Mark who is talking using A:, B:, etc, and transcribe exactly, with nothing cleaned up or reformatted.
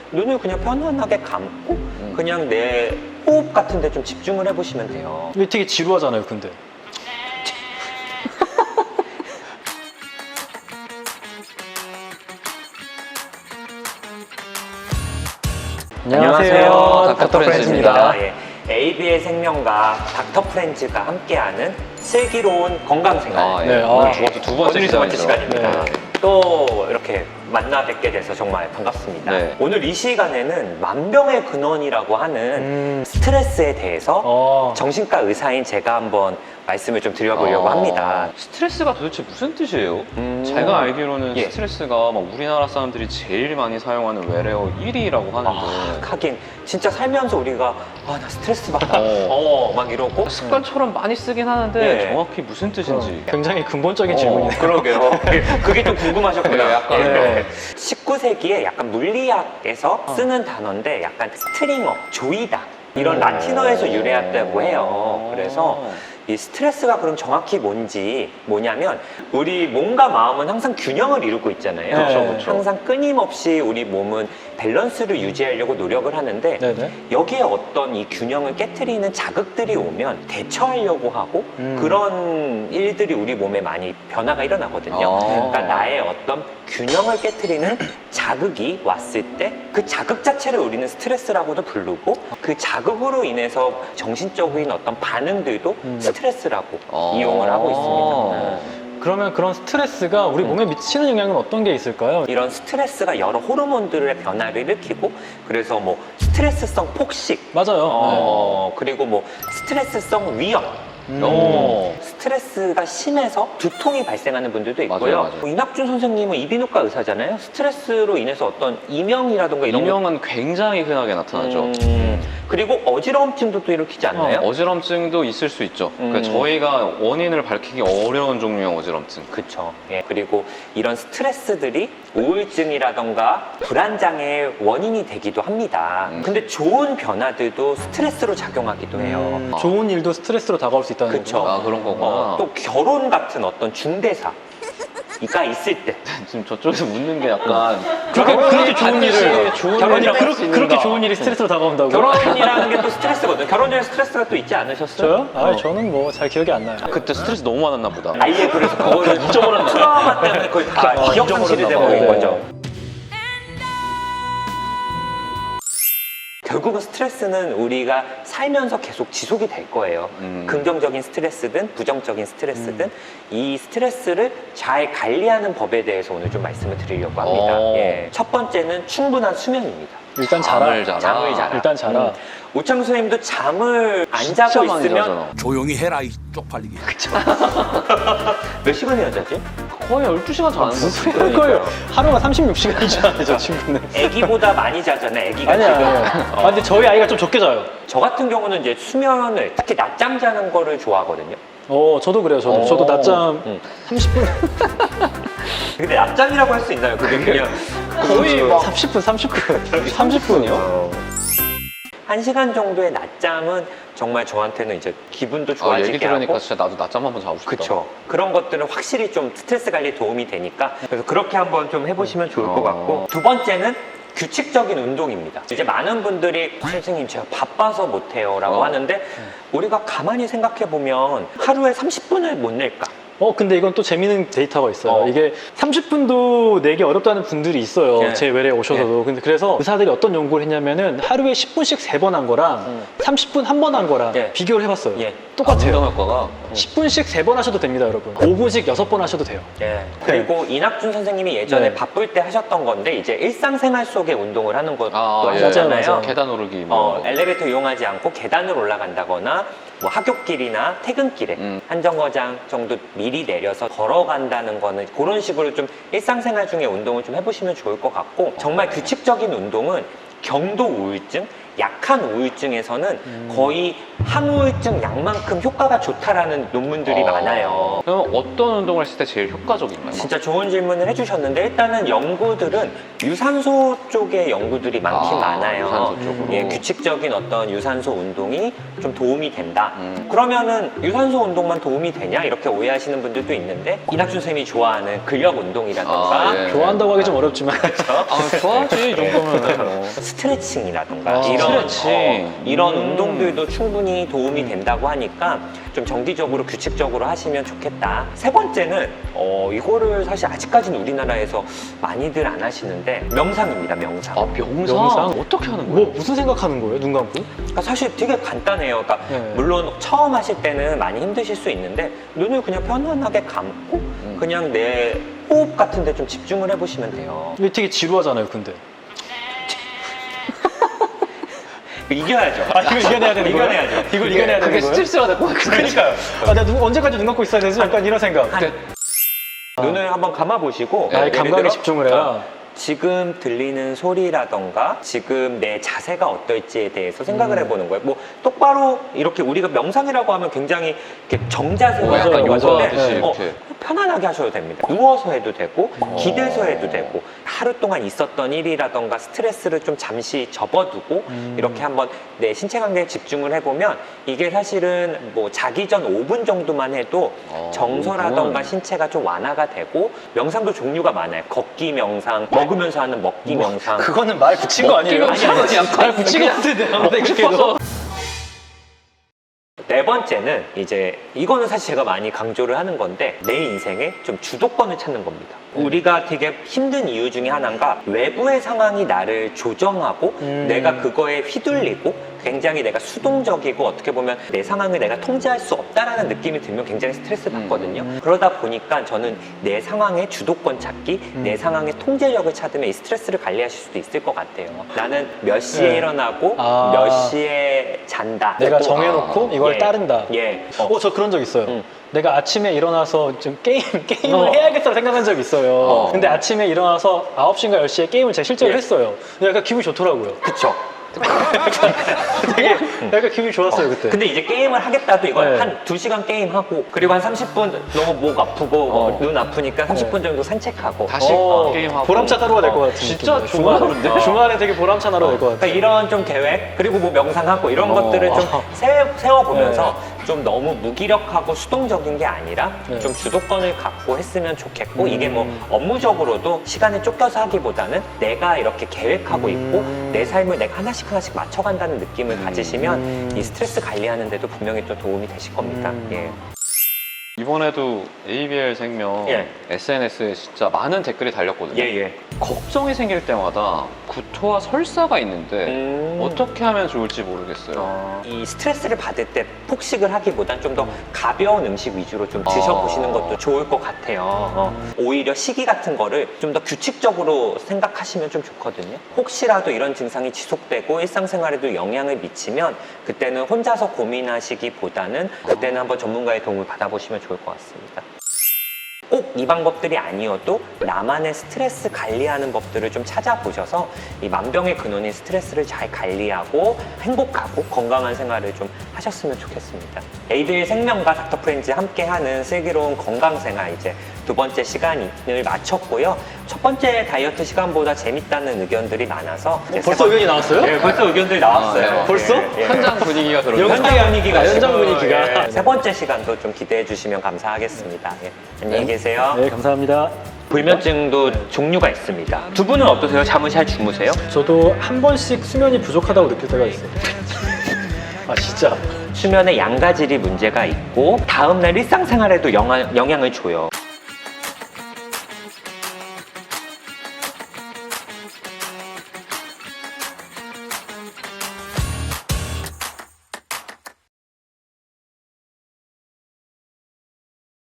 A: 눈을 그냥 편안하게 감고 음. 그냥 내 호흡 같은 데 좀 집중을 해보시면 돼요.
B: 이게 되게 지루하잖아요, 근데.
A: 안녕하세요. 닥터
B: 프렌즈입니다.
A: 예, 에이비의 생명과 닥터 프렌즈가 함께하는 슬기로운 건강생활.
C: 아, 예.
B: 네,
C: 오늘
B: 아.
C: 두 번째, 두 번째
A: 오늘이 두 번째
C: 시간이죠.
A: 시간입니다.
B: 네.
A: 또 이렇게 만나 뵙게 돼서 정말 반갑습니다.
C: 네.
A: 오늘 이 시간에는 만병의 근원이라고 하는
B: 음.
A: 스트레스에 대해서
B: 어.
A: 정신과 의사인 제가 한번 말씀을 좀 드려보려고
C: 아,
A: 합니다.
C: 스트레스가 도대체 무슨 뜻이에요?
A: 음.
C: 제가 알기로는
A: 예.
C: 스트레스가 막 우리나라 사람들이 제일 많이 사용하는 외래어 일 위라고 하는데
A: 아, 하긴 진짜 살면서 우리가 아, 나 스트레스 받아.
C: 어.
A: 어, 막 이러고
C: 습관처럼 많이 쓰긴 하는데
A: 네.
C: 정확히 무슨 뜻인지
B: 굉장히 근본적인
C: 어,
B: 질문이네요.
A: 그러게요. 그게 좀 궁금하셨구나.
C: 네, 약간
B: 네.
A: 십구 세기에 약간 물리학에서
B: 어.
A: 쓰는 단어인데 약간 스트링어, 조이다 이런
B: 음.
A: 라틴어에서 유래했다고 해요. 그래서 이 스트레스가 그럼 정확히 뭔지 뭐냐면 우리 몸과 마음은 항상 균형을 이루고 있잖아요.
B: 그렇죠, 그렇죠.
A: 항상 끊임없이 우리 몸은 밸런스를 유지하려고 노력을 하는데
B: 네네.
A: 여기에 어떤 이 균형을 깨트리는 자극들이 오면 대처하려고 하고
B: 음.
A: 그런 일들이 우리 몸에 많이 변화가 일어나거든요.
C: 아.
A: 그러니까 나의 어떤 균형을 깨트리는 자극이 왔을 때 그 자극 자체를 우리는 스트레스라고도 부르고 그 자극으로 인해서 정신적인 어떤 반응들도
B: 음.
A: 스트레스라고
C: 아.
A: 이용을 하고 있습니다.
B: 그러면 그런 스트레스가 우리 몸에 미치는 영향은 어떤 게 있을까요?
A: 이런 스트레스가 여러 호르몬들의 변화를 일으키고 그래서 뭐 스트레스성 폭식
B: 맞아요.
A: 어, 그리고 뭐 스트레스성 위염
B: 음.
C: 어.
A: 스트레스가 심해서 두통이 발생하는 분들도 있고요.
C: 맞아요, 맞아요.
A: 뭐 이낙준 선생님은 이비인후과 의사잖아요. 스트레스로 인해서 어떤 이명이라든가 이런
C: 이명은 굉장히 흔하게 나타나죠.
A: 음, 그리고 어지러움증도 또 일으키지 않나요?
C: 어, 어지럼증도 있을 수 있죠. 그러니까
A: 음.
C: 저희가 원인을 밝히기 어려운 종류의 어지럼증.
A: 그쵸. 예. 그리고 이런 스트레스들이 우울증이라던가 불안장애의 원인이 되기도 합니다.
C: 음.
A: 근데 좋은 변화들도 스트레스로 작용하기도 해요.
B: 음, 좋은 일도 스트레스로 다가올 수 있다는
A: 그쵸.
B: 거죠.
C: 아, 그런 거구나.
A: 어, 또 결혼 같은 어떤 중대사가 있을 때
C: 지금 저쪽에서 묻는 게 약간
B: 그렇게,
C: 결혼이
B: 그렇게 좋은
C: 반드시
B: 일을
C: 좋은
A: 결혼이라고
C: 일이라고
A: 할
B: 그렇게,
C: 수 있는가?
B: 그렇게 좋은 일이 스트레스로 다가온다고?
A: 결혼이라는 게 또 스트레스거든요. 결혼 전에 스트레스가 또 있지 않으셨어요?
B: 저요? 아,
A: 어.
B: 저는 뭐 잘 기억이 안 나요.
C: 그때 스트레스 너무 많았나 보다.
A: 아예 그래서 그거를
B: 잊어버렸나
A: 트라우마 때문에 거의 다
B: 어,
A: 기억 상실이
B: 잊어버렸나
A: 돼버린
B: 봐요.
A: 거죠. 결국은 스트레스는 우리가 살면서 계속 지속이 될 거예요.
C: 음.
A: 긍정적인 스트레스든 부정적인 스트레스든 이 스트레스를 잘 관리하는 법에 대해서 오늘 좀 말씀을 드리려고 합니다.
C: 오.
A: 예. 첫 번째는 충분한 수면입니다.
B: 일단 자라.
C: 잠을 자라.
A: 잠을 자라.
B: 일단 자라.
A: 음. 오창수 선생님도 잠을 안
C: 진짜
A: 자고
C: 많이
A: 있으면
C: 자잖아.
D: 조용히 해라 이 쪽팔리게.
A: 몇 시간이나 자지?
C: 거의 열두 시간 자는
B: 무슨
C: 거
B: 소리 할 거예요? 하루가 삼십육 시간이잖아요, 저 친구는.
A: 애기보다 많이 자잖아요. 애기가
B: 아니야,
A: 지금.
B: 아니야.
A: 어.
B: 아, 근데 저희 아이가 좀 적게 자요.
A: 저 같은 경우는 이제 수면을 특히 낮잠 자는 거를 좋아하거든요.
B: 어, 저도 그래요, 저도.
C: 어.
B: 저도 낮잠
A: 음.
B: 삼십 분.
A: 근데 낮잠이라고 할 수 있나요? 그게 그냥
C: 거의 막
B: 삼십 분, 삼십 분. 삼십 분이요?
A: 한 시간 정도의 낮잠은 정말 저한테는 이제 기분도
C: 아,
A: 좋아지게
C: 얘기 들으니까
A: 하고
C: 진짜 나도 낮잠 한번 자고 싶다.
A: 그쵸. 그런 것들은 확실히 좀 스트레스 관리에 도움이 되니까 그래서 그렇게 한번 좀 해보시면 좋을 것
C: 어.
A: 같고 두 번째는 규칙적인 운동입니다. 이제 많은 분들이 선생님 제가 바빠서 못해요 라고
C: 어.
A: 하는데 우리가 가만히 생각해보면 하루에 삼십 분을 못 낼까?
B: 어, 근데 이건 또 재미있는 데이터가 있어요.
A: 어.
B: 이게 삼십 분도 내기 어렵다는 분들이 있어요.
A: 예.
B: 제 외래에 오셔서도. 근데 그래서 의사들이 어떤 연구를 했냐면은 하루에 십 분씩 세 번 한 거랑
A: 음.
B: 삼십 분 한 번 한 거랑
A: 예.
B: 비교를 해봤어요.
A: 예.
B: 똑같아요.
C: 운동 효과가
B: 십 분씩 세 번 하셔도 됩니다, 여러분. 오 분씩 여섯 번 하셔도 돼요.
A: 예. 그리고 이낙준 선생님이 예전에
B: 네.
A: 바쁠 때 하셨던 건데 이제 일상생활 속에 운동을 하는 것도
C: 아, 예.
A: 하셨잖아요.
B: 맞아요, 맞아요.
C: 계단 오르기 뭐
A: 어, 엘리베이터 이용하지 않고 계단을 올라간다거나 뭐 학교길이나 퇴근길에
C: 음.
A: 한 정거장 정도 미리 내려서 걸어간다는 거는 그런 식으로 좀 일상생활 중에 운동을 좀 해보시면 좋을 것 같고 정말 규칙적인 운동은 경도 우울증, 약한 우울증에서는
B: 음.
A: 거의 항우울증 약만큼 효과가 좋다라는 논문들이
C: 어.
A: 많아요.
C: 그럼 어떤 운동을 했을 때 제일 효과적인가요?
A: 진짜 좋은 질문을 해주셨는데 일단은 연구들은 유산소 쪽의 연구들이 많긴
C: 아,
A: 많아요.
C: 유산소 쪽으로.
A: 예, 규칙적인 어떤 유산소 운동이 좀 도움이 된다.
C: 음.
A: 그러면은 유산소 운동만 도움이 되냐 이렇게 오해하시는 분들도 있는데 이낙준 쌤이 좋아하는 근력 운동이라든가
C: 아, 예.
B: 좋아한다고 하기 좀 어렵지만.
C: 아, 좋아하지 이 정도면 뭐.
A: 스트레칭이라던가
B: 아,
A: 이런
C: 스트레칭.
A: 어, 이런
C: 음.
A: 운동들도 충분히 도움이 된다고 하니까 좀 정기적으로 규칙적으로 하시면 좋겠다. 세 번째는 어, 이거를 사실 아직까지는 우리나라에서 많이들 안 하시는데 명상입니다. 명상.
C: 아 명상?
B: 명상?
C: 어떻게 하는
B: 뭐
C: 거예요?
B: 무슨 생각하는 거예요? 눈 감고?
A: 그러니까 사실 되게 간단해요. 그러니까
B: 네.
A: 물론 처음 하실 때는 많이 힘드실 수 있는데 눈을 그냥 편안하게 감고
C: 음.
A: 그냥 내 호흡 같은 데 좀 집중을 해보시면 돼요.
B: 이게 되게 지루하잖아요, 근데.
A: 이겨야죠.
B: 아, 이걸 이겨내야 되는 거예요?
A: 이겨내야죠.
B: 이걸 이겨내야
C: 그게
B: 되는 거예요?
C: 스트레스가 될 것 같은데.
B: 그러니까요. 아, 내가 눈, 언제까지 눈 감고 있어야 되지? 약간 이런 생각.
A: 한- 눈을 한번 감아보시고
B: 아,
A: 예를
B: 감각에
A: 들어,
B: 집중을 해라.
A: 어, 지금 들리는 소리라던가 지금 내 자세가 어떨지에 대해서 생각을
B: 음.
A: 해보는 거예요. 뭐 똑바로 이렇게 우리가 명상이라고 하면 굉장히 이렇게 정자세로
C: 어, 약간
A: 하는
B: 요가
A: 건데,
C: 하듯이
A: 어,
C: 이렇게.
A: 편안하게 하셔도 됩니다. 누워서 해도 되고
B: 어.
A: 기대서 해도 되고 하루 동안 있었던 일이라던가 스트레스를 좀 잠시 접어두고
B: 음.
A: 이렇게 한번 내 신체 관계에 집중을 해보면 이게 사실은 뭐 자기 전 오 분 정도만 해도
C: 어,
A: 정서라던가
C: 오 분.
A: 신체가 좀 완화가 되고 명상도 종류가 많아요. 걷기 명상, 먹으면서 하는 먹기 명상.
B: 그거는 말 붙인 거 아니에요?
C: 먹기 명상은 약간
B: 말 붙인 거 같은데. 아무튼 그렇게도.
A: 네 번째는 이제 이거는 사실 제가 많이 강조를 하는 건데 내 인생에 좀 주도권을 찾는 겁니다. 우리가 되게 힘든 이유 중에 하나가 외부의 상황이 나를 조정하고
B: 음.
A: 내가 그거에 휘둘리고 굉장히 내가 수동적이고 어떻게 보면 내 상황을 내가 통제할 수 없다라는 느낌이 들면 굉장히 스트레스 받거든요.
B: 음.
A: 그러다 보니까 저는 내 상황의 주도권 찾기,
B: 음.
A: 내 상황의 통제력을 찾으면 이 스트레스를 관리하실 수도 있을 것 같아요. 나는 몇 시에
B: 네.
A: 일어나고
B: 아.
A: 몇 시에 잔다.
B: 내가
A: 또,
B: 정해놓고
C: 아,
B: 이걸
A: 예.
B: 따른다.
A: 예. 어.
B: 어, 저 그런 적 있어요.
A: 응.
B: 내가 아침에 일어나서 좀 게임, 게임을
A: 어.
B: 해야겠다고 생각한 적이 있어요.
A: 어.
B: 근데 아침에 일어나서 아홉 시인가 열 시에 게임을 제가 실제로
A: 예.
B: 했어요. 근데 약간 기분이 좋더라고요.
A: 그쵸.
B: 되게 약간 기분이 좋았어요, 그때.
A: 근데 이제 게임을 하겠다도 이걸
B: 네.
A: 한 두 시간 게임하고 그리고 한 삼십 분 너무 목 아프고 뭐
C: 어.
A: 눈 아프니까 삼십 분 정도 산책하고
C: 다시
B: 어,
C: 게임하고.
B: 보람찬 하루가 될 것
A: 어,
B: 같은
C: 진짜
B: 느낌이에요. 주말,
C: 좋아하는데?
B: 주말에 되게 보람찬 하루가 될 것 같아요.
A: 그러니까 이런 좀 계획 그리고 뭐 명상하고 이런
C: 어.
A: 것들을 좀 세, 세워보면서 좀 너무 무기력하고 수동적인 게 아니라
B: 네.
A: 좀 주도권을 갖고 했으면 좋겠고
B: 음.
A: 이게 뭐 업무적으로도 시간에 쫓겨서 하기보다는 내가 이렇게 계획하고 있고
B: 음.
A: 내 삶을 내가 하나씩 하나씩 맞춰간다는 느낌을
C: 음.
A: 가지시면 이 스트레스 관리하는 데도 분명히 또 도움이 되실 겁니다.
B: 음.
A: 예.
C: 이번에도 에이비엘 생명
A: 예.
C: 에스엔에스에 진짜 많은 댓글이 달렸거든요.
A: 예, 예.
C: 걱정이 생길 때마다 구토와 설사가 있는데
A: 음.
C: 어떻게 하면 좋을지 모르겠어요.
A: 어, 이 스트레스를 받을 때 폭식을 하기보단 좀 더 가벼운 음식 위주로 좀 드셔보시는
C: 어.
A: 것도 좋을 것 같아요. 어, 오히려 식이 같은 거를 좀 더 규칙적으로 생각하시면 좀 좋거든요. 혹시라도 이런 증상이 지속되고 일상생활에도 영향을 미치면 그때는 혼자서 고민하시기보다는 그때는 한번 전문가의 도움을 받아보시면 좋을 것 같습니다. 꼭 이 방법들이 아니어도 나만의 스트레스 관리하는 법들을 좀 찾아보셔서 이 만병의 근원인 스트레스를 잘 관리하고 행복하고 건강한 생활을 좀 하셨으면 좋겠습니다. 에이비엘 생명과 닥터 프렌즈 함께하는 슬기로운 건강생활 이제 두 번째 시간을 마쳤고요. 첫 번째 다이어트 시간보다 재밌다는 의견들이 많아서 이제
B: 벌써
A: 세 번-
B: 의견이 나왔어요?
A: 네, 벌써 의견들이 나왔어요.
C: 아, 네.
B: 벌써?
A: 예, 예.
C: 현장 분위기가 그러네요.
B: 현장 분위기가,
A: 아,
B: 현장
A: 지금,
B: 분위기가.
A: 예, 세 번째 시간도 좀 기대해 주시면 감사하겠습니다. 예, 안녕히 계세요.
B: 네, 감사합니다.
A: 불면증도 종류가 있습니다. 두 분은 어떠세요? 잠을 잘 주무세요?
B: 저도 한 번씩 수면이 부족하다고 느낄 때가 있어요. 아, 진짜.
A: 수면의 양가질이 문제가 있고 다음날 일상생활에도 영향, 영향을 줘요.